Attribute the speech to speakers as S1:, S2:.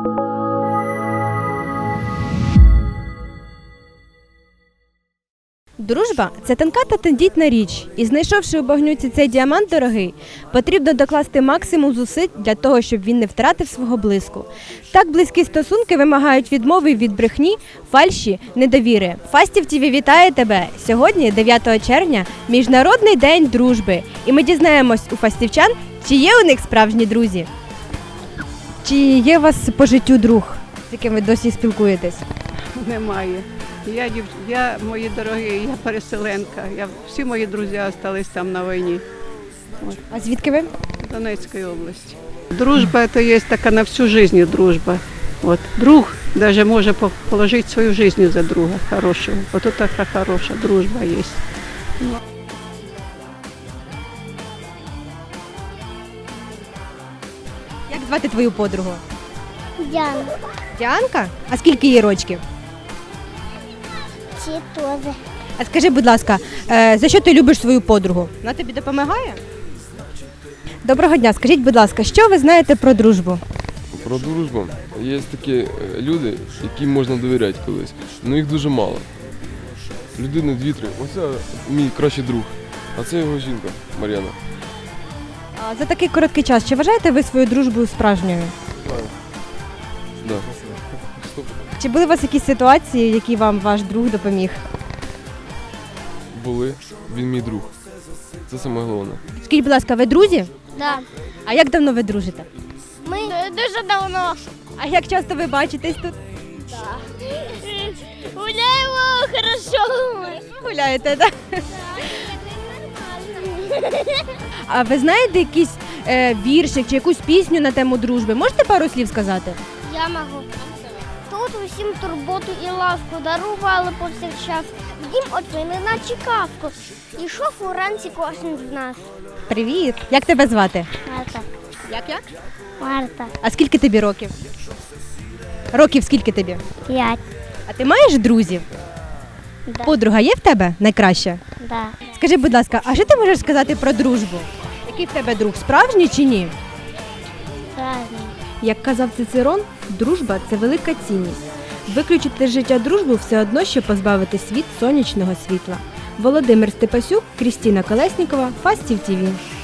S1: Дружба – це тонка та тендітна річ, і знайшовши у багнюці цей діамант дорогий, потрібно докласти максимум зусиль для того, щоб він не втратив свого блиску. Так близькі стосунки вимагають відмови від брехні, фальші, недовіри. Фастів ТВ вітає тебе! Сьогодні, 9 червня, Міжнародний день дружби. І ми дізнаємось у фастівчан, чи є у них справжні друзі. Чи є у вас по життю друг, з яким ви досі спілкуєтесь?
S2: Немає. Я, мої дорогі, я переселенка. Всі мої друзі залишились там на війні.
S1: А звідки ви?
S2: В Донецької області. Дружба – це є така на всю життя дружба. Друг навіть може положити свою життя за друга хорошого. От така хороша дружба є.
S1: Як звати твою подругу?
S3: Діана.
S1: Діанка? А скільки їй рочків?
S3: Ці теж.
S1: А скажи, будь ласка, за що ти любиш свою подругу? Вона тобі допомагає? Доброго дня. Скажіть, будь ласка, що ви знаєте про дружбу?
S4: Про дружбу. Є такі люди, яким можна довіряти колись, але їх дуже мало. Людини 2-3. Оце мій кращий друг, а це його жінка Мар'яна.
S1: А за такий короткий час, чи вважаєте ви свою дружбу справжньою?
S4: Да.
S1: Чи були у вас якісь ситуації, в які вам ваш друг допоміг?
S4: Були. Він мій друг. Це саме головне.
S1: Скажіть, будь ласка, ви друзі?
S3: Да.
S1: А як давно ви дружите?
S3: Ми дуже давно.
S1: А як часто ви бачитесь тут?
S3: Гуляємо хорошо.
S1: Гуляєте, так? А ви знаєте якийсь віршик чи якусь пісню на тему дружби? Можете пару слів сказати?
S3: Я можу. Тут усім турботу і ласку дарували повсякчас. Дім оцінили наче казку. Ішов уранці кожен з нас.
S1: Привіт! Як тебе звати?
S3: Марта.
S1: Як?
S3: Марта.
S1: А скільки тобі років? Років скільки тобі?
S3: 5.
S1: А ти маєш друзів?
S3: Да.
S1: Подруга є в тебе найкраща?
S3: Да.
S1: Скажи, будь ласка, а що ти можеш сказати про дружбу? Який в тебе друг, справжній чи ні?
S3: Правильно.
S1: Як казав Цицерон, дружба – це велика цінність. Виключити з життя дружбу все одно, що позбавити світ сонячного світла. Володимир Степасюк, Крістіна Колеснікова, Фастів ТВ.